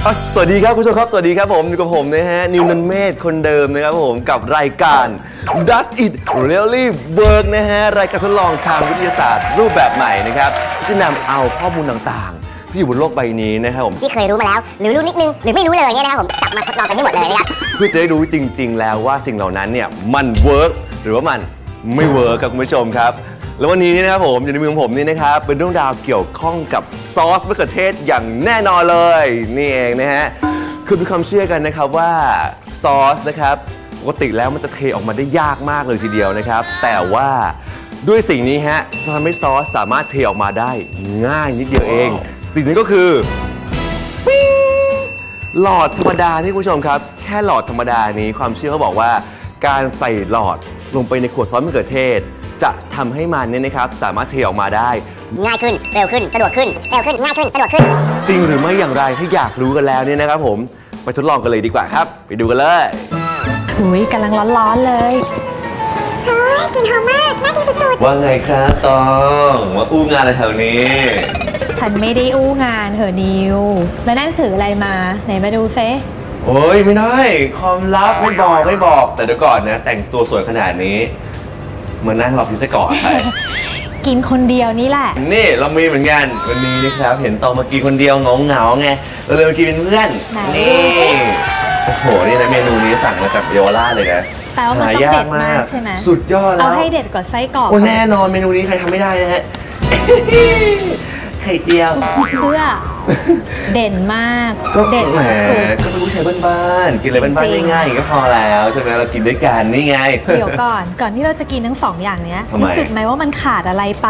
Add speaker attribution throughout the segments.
Speaker 1: สวัสดีครับคุณผู้ชมครับสวัสดีครับผมอยู่กับผมนะฮะนิวนันเมธคนเดิมนะครับผมกับรายการ Does It Really Work นะฮะรายการทดลองทางวิทยาศาสตร์รูปแบบใหม่นะครับที่นำเอาข้อมูลต่างๆที่อยู่บนโลกใบนี้นะครับผม
Speaker 2: ที่เคยรู้มาแล้วหรือรู้นิดนึงหรือไม่รู้เลยเนี่ยนะครับผมจับมาทดลองกันให้หมดเลยนะครับ
Speaker 1: เพื่อจะได้รู้จริงๆแล้วว่าสิ่งเหล่านั้นเนี่ยมันเวิร์กหรือว่ามันไม่เวิร์กครับคุณผู้ชมครับแล้ววันนี้นะครับผมอยู่ในมือของผมนี่นะครับเป็นเรื่องราวเกี่ยวข้องกับซอสมะเขือเทศอย่างแน่นอนเลยนี่เองนะฮะคือมีความเชื่อกันนะครับว่าซอสนะครับปกติแล้วมันจะเทออกมาได้ยากมากเลยทีเดียวนะครับแต่ว่าด้วยสิ่งนี้ฮะจะทำให้ซอสสามารถเทออกมาได้ง่ายนิดเดียวเองสิ่งนี้ก็คือหลอดธรรมดาที่คุณผู้ชมครับแค่หลอดธรรมดานี้ความเชื่อเขาบอกว่าการใส่หลอดลงไปในขวดซอสมะเขือเทศจะทำให้มันเนี่ยนะครับสามารถเทออกมาได้
Speaker 2: ง่ายขึ้นเร็วขึ้นสะดวกขึ้นเร็วขึ้นง่ายขึ้นสะดวกขึ้น
Speaker 1: จริงหรือไม่อย่างไรถ้าอยากรู้กันแล้วเนี่ยนะครับผมไปทดลองกันเลยดีกว่าครับไปดูกันเลย
Speaker 3: หุยกำลังร้อนๆเลย
Speaker 2: เฮ้ยกลิ่นหอมมากน่ากินสุด
Speaker 1: ๆว่าไงครับตองมาอู้งานอะไรแถวนี้
Speaker 3: ฉันไม่ได้อู้งานเหรอนิวแล้วนั่นถืออะไรมาไหนมาดูเซ
Speaker 1: โอ้ยไม่ได้ความลับไม่บอกแต่เดี๋ยวก่อนนะแต่งตัวสวยขนาดนี้มานั่งรอพิซซ่าก่อนไป
Speaker 3: กินคนเดียวนี่แหละ
Speaker 1: นี่เรามีเหมือนกันวันนี้นะครับเห็นตองมากินคนเดียวเหงาไงเราเลยมากินเป็นเพื่อนนี่โอ้โหนี่นะเมนูนี้สั่งมาจากเยาวราชเลยนะ
Speaker 3: แต่ว่ามันต้องเด็ดมากใช่ไหม
Speaker 1: สุดยอดแล้ว
Speaker 3: เอาให้เด็ดกว่าไส้กรอก
Speaker 1: โอ้แน่นอนเมนูนี้ใครทำไม่ได้นะฮะไข่เจียว
Speaker 3: เพื่อเด่นมาก
Speaker 1: เด่นแหมก็เป็นผู้ชายบ้านๆกินอะไรบ้านๆง่ายๆก็พอแล้วใช่ไหมเรากินด้วยกันนี่ไง
Speaker 3: เดี๋ยวก่อนที่เราจะกินทั้งสองอย่างเนี้ยรู้สึกไหมว่ามันขาดอะไรไป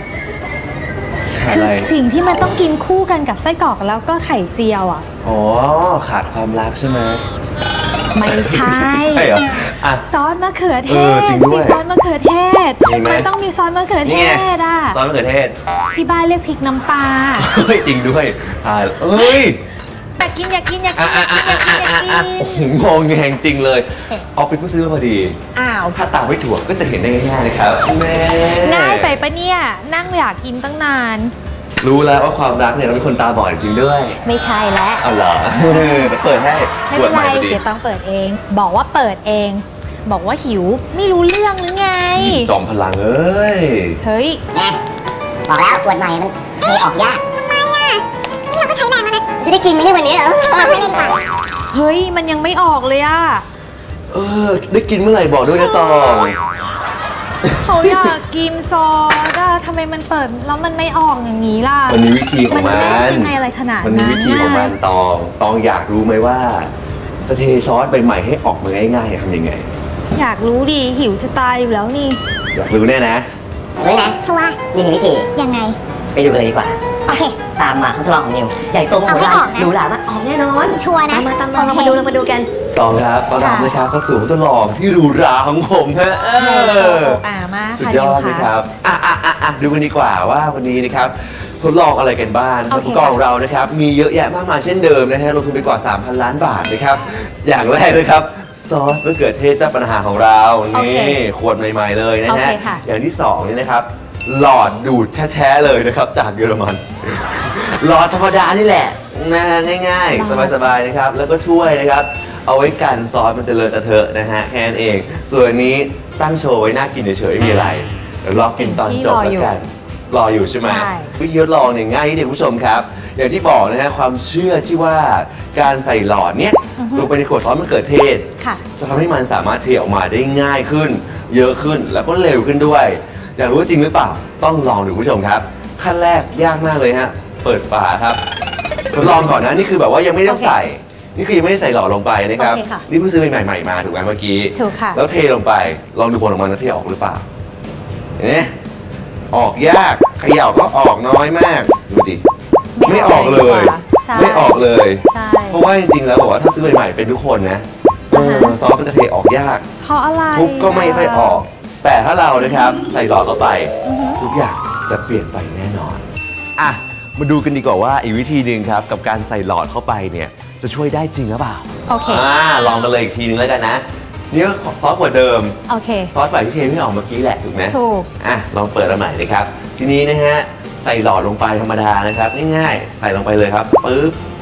Speaker 3: คือสิ่งที่มันต้องกินคู่กันกับไส้กรอกแล้วก็ไข่เจียวอ่ะ
Speaker 1: อ๋อขาดความรักใช่ไหม
Speaker 3: ไม่ใช่ซอสมะเขือเทศซอสมะเขือเทศมันต้องมีซอสมะเขือเทศอ่ะ
Speaker 1: ซอสมะเขือเทศ
Speaker 3: ที่บ้านเรียกพริกน้ำปลา
Speaker 1: เฮ้ยจริงด้วยเอ้ย
Speaker 3: อยากกิน
Speaker 1: โอ้โหงงแงงจริงเลยออฟฟิศเพิ่งซื้อมาพอดีถ้าตามไม่ถูกก็จะเห็นได้ง่ายๆนะครับ
Speaker 3: ง่ายไปปะเนี่ยนั่งอยากกินตั้งนาน
Speaker 1: รู้แล้วว่าความรักเนี่ยเราเป็นคนตาบอดจริงด้วย
Speaker 3: ไม่ใช่แล้ว
Speaker 1: อ๋อเหรอเปิดให้
Speaker 3: ไม่เป็นไรเดี๋ยวต้องเปิดเองบอกว่าเปิดเองบอกว่าหิวไม่รู้เรื่องหรือไง
Speaker 1: จอมพลังเอ้ย
Speaker 3: เฮ้ย
Speaker 2: บอกแล้วขวดใหม่มันเทออกยากทำไมอ่ะนี่เราก็ใช้แรงแล้วนะจะได้กินไหมในวันนี้เหรอไม่ได้ดีกว่า
Speaker 3: เฮ้ยมันยังไม่ออกเลยอ่ะ
Speaker 1: ได้กินเมื่อไหร่บอกด้วยนะตอง
Speaker 3: เขาอยากกินซอสอะทำไมมันเปิดแล้วมันไม่ออกอย่างนี้ล่ะ
Speaker 1: มันมีวิธีของมัน
Speaker 3: ยังไงอะไรขนาดนั้น
Speaker 1: มันมีวิธีของมันตองอยากรู้ไหมว่าจะเทซอสใหม่ๆให้ออกมาง่ายๆทำยังไง
Speaker 3: อยากรู้ดิหิวจะตายอยู่แล้วนี่
Speaker 1: อยากรู้แน่นะ
Speaker 2: รู้นะชัวร์มีวิธี
Speaker 3: ยังไง
Speaker 2: ไปดูกันเลยดีกว่าโอเคตามมาทดลองของนิวใหญ่โตมโหฬารรู้หรือว่าออกแน่นอนชัวร์นะตามมาเรามาดูกัน
Speaker 1: ตองครับต้อนรับนะครับเข้าสู่ทดลองที่หรูหราของผมฮะ
Speaker 3: มาก
Speaker 1: สุดยอดเลยครับดูกันดีกว่าว่าวันนี้นะครับทดลองอะไรกันบ้างอุปกรณ์ของเรานะครับมีเยอะแยะมากมายเช่นเดิมนะฮะลงทุนไปกว่า 3,000 ล้านบาทนะครับอย่างแรกนะครับซอสมะเขือเทศเจ้าปัญหาของเรานี่ขวดใหม่ๆเลยนะฮะอย่างที่2นี่นะครับหลอดดูดแท้ๆเลยนะครับจากเยอรมันหลอดธรรมดานี่แหละนะง่ายๆสบายๆนะครับแล้วก็ถ้วยนะครับเอาไว้กันซอสมันจะเลอะเทอะนะฮะแค่นั้นเองส่วนนี้ตั้งโชว์ไว้น่ากินเฉยๆไม่มีอะไรเดี๋ยวรอกินตอนจบแล้วกันรออยู่ใช่ไหมวิธีทดลองเนี่ยง่ายที่เด็กผู้ชมครับอย่างที่บอกนะฮะความเชื่อที่ว่าการใส่หลอดเนี้ยลงไปในขวดซอสมะเขือเทศจะทำให้มันสามารถเทออกมาได้ง่ายขึ้นเยอะขึ้นแล้วก็เร็วขึ้นด้วยอยากรู้จริงหรือเปล่าต้องลองดูผู้ชมครับขั้นแรกยากมากเลยฮะเปิดฝาครับทดลองก่อนนะนี่คือแบบว่ายังไม่ต้องใส่นี่คือยังไม่ได้ใส่หลอดลงไปนะครับนี่เพิ่งซื้อใหม่ๆมาถูกไหมเมื่อกี้
Speaker 3: ถูกค่ะ
Speaker 1: แล้วเทลงไปลองดูผลออกมาจะเทออกหรือเปล่าเนี่ยออกยากเขย่าก็ออกน้อยมากดูดิไม่ออกเลยไม่ออกเลยเพราะว่าจริงๆแล้วบอกว่าถ้าซื้อใหม่ๆเป็นทุกคนนะซอสมันจะเทออกยาก
Speaker 3: เพราะอะไร
Speaker 1: ทุกก็ไม่ค่อยออกแต่ถ้าเรานะครับใส่หลอดเข้าไปทุกอย่างจะเปลี่ยนไปแน่นอนมาดูกันดีกว่าว่าอีกวิธีหนึ่งครับกับการใส่หลอดเข้าไปเนี่ยจะช่วยได้จริงหรือเปล่า
Speaker 3: โอเค
Speaker 1: ลองกันเลยอีกทีนึงแล้วกันนะนี่ก็ซอสขวดเดิม
Speaker 3: โอเค
Speaker 1: ซอสใหม่ที่เทไม่ออกเมื่อกี้แหละถูกไหม
Speaker 3: ถูก
Speaker 1: ลองเปิดอันใหม่เลยครับทีนี้นะฮะใส่หลอดลงไปธรรมดานะครับง่ายๆใส่ลงไปเลยครับปึ๊บ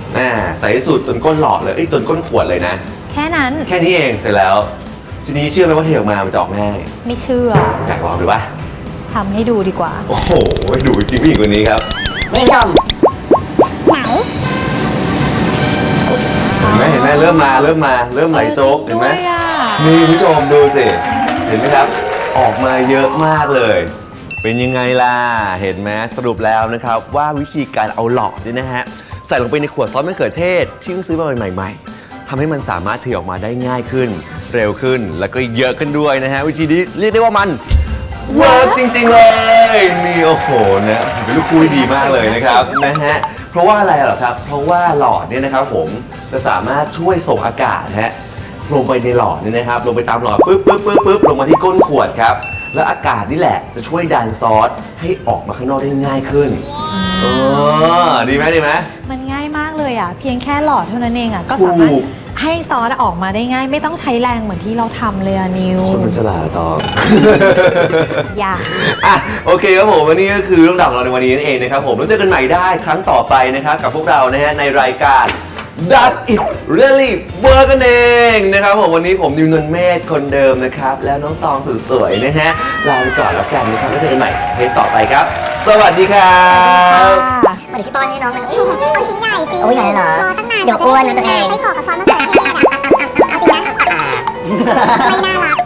Speaker 1: ใส่สุดจนก้นหลอดเลยจนก้นขวดเลยนะ
Speaker 3: แค่นั้น
Speaker 1: แค่นี้เองเสร็จแล้วทีนี้เชื่อไหมว่าเทออกมามันจะออกง่าย
Speaker 3: ไม่เชื่อ
Speaker 1: อยากลองดูปะ
Speaker 3: ทำให้ดูดีกว่า
Speaker 1: โอ้โหดูจริงผู้หญิงคนนี้ครับ
Speaker 2: นี่ชม
Speaker 1: ไหนเห็นไหมเริ่มไหลโจ๊กเห็นไหมนี่ผู้ชมดูสิเห็นไหมครับออกมาเยอะมากเลยเป็นยังไงล่ะเห็นไหมสรุปแล้วนะครับว่าวิธีการเอาหลอดเนี่ยนะฮะใส่ลงไปในขวดซอสมะเขือเทศที่เพิ่งซื้อมาใหม่ๆทำให้มันสามารถเทออกมาได้ง่ายขึ้นเร็วขึ้นแล้วก็เยอะขึ้นด้วยนะฮะวิธีนี้เรียกได้ว่ามันเวิร์กจริงๆเลยนี่โอ้โหนะเป็นลูกคู่ที่ดีมากเลยนะครับนะฮะเพราะว่าอะไรหรอครับเพราะว่าหลอดเนี่ยนะครับผมจะสามารถช่วยส่งอากาศฮะลงไปในหลอดนี่นะครับลงไปตามหลอดปึ๊บลงมาที่ก้นขวดครับแล้วอากาศนี่แหละจะช่วยดันซอสให้ออกมาข้างนอกได้ง่ายขึ้นดีไหม
Speaker 3: มันง่ายมากเลยอ่ะเพียงแค่หลอดเท่านั้นเองอ่ะก็สามารถให้ซอสออกมาได้ง่ายไม่ต้องใช้แรงเหมือนที่เราทำเลยอะนิว
Speaker 1: คนมันฉลาดตอบ
Speaker 3: อย่า
Speaker 1: โอเคครับผมวันนี้ก็คือเรื่องราวของเราในวันนี้นั่นเองนะครับผมแล้วเจอกันใหม่ได้ครั้งต่อไปนะครับกับพวกเรานะฮะในรายการ Does It Really Work กันเองนะครับผมวันนี้ผมนิวนนท์เมธคนเดิมนะครับแล้วน้องตองสุดสวยนะฮะลาไปก่อนแล้วกันนะครับแล้วเจอกันใหม่เทปต่อไปครับสวัสดีครับ
Speaker 2: มาถึงพี่ป้อนให้น้องมัน
Speaker 4: เอาชิ้นใหญ่สิ
Speaker 2: โอ้ยใหญ่เหรอ
Speaker 4: ตั้งนาน
Speaker 2: เดี๋ยวอ้วนนะตัวเอง
Speaker 4: ไส้กรอกกับซอสมะเขือเทศเอาจริงนะไม่น่ารัก